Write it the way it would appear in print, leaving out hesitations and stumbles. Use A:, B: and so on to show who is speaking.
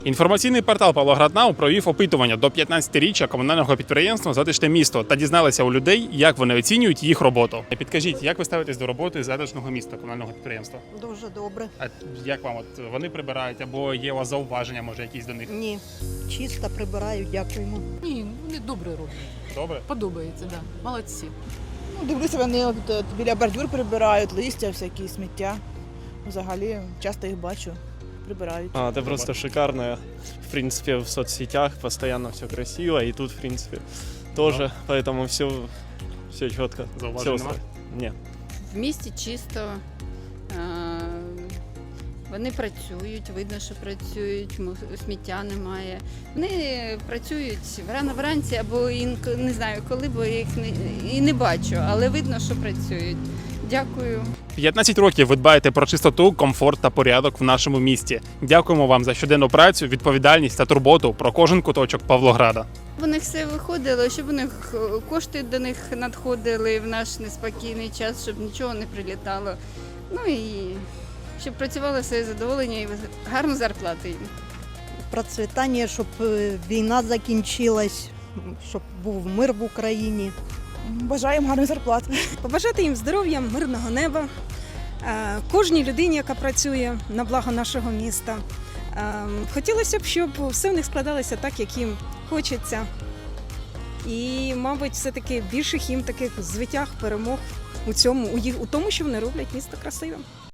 A: Інформаційний портал «Павлоград.Нау» провів опитування до 15-річчя комунального підприємства «Затишне місто» та дізналися у людей, як вони оцінюють їх роботу. Підкажіть, як ви ставитесь до роботи затишного міста комунального підприємства?
B: Дуже добре.
A: А як вам вони прибирають або є у вас зауваження, може, якісь до них?
B: Ні, чисто прибирають, дякуємо.
C: Ні, вони добре роблять.
A: Добре?
C: Подобається, так. Да. Молодці.
D: Дивлюся, вони біля бордюр прибирають, листя, всякі сміття. Взагалі, часто їх бачу, прибирають.
E: Это просто шикарно. В принципе, в соцсетях постоянно все красиво, и тут, в принципе, тоже. Поэтому все четко.
A: Зауважень нема?
E: Нет.
F: В місті чисто, вони працюють, видно, що працюють, сміття немає. Вони працюють рано вранці або не знаю коли, бо я їх не бачу, але видно, що працюють. Дякую.
A: 15 років ви дбаєте про чистоту, комфорт та порядок в нашому місті. Дякуємо вам за щоденну працю, відповідальність та турботу про кожен куточок Павлограда.
F: У них все виходило, щоб у них кошти до них надходили в наш неспокійний час, щоб нічого не прилітало. Ну і щоб працювали все задоволення і гарну зарплату їм.
B: Процвітання, щоб війна закінчилась, щоб був мир в Україні.
D: Бажаємо гарних зарплат.
G: Побажати їм здоров'я, мирного неба, кожній людині, яка працює на благо нашого міста. Хотілося б, щоб все в них складалося так, як їм хочеться. І, мабуть, все-таки більших їм таких звитяг, перемог у тому, що вони роблять місто красивим.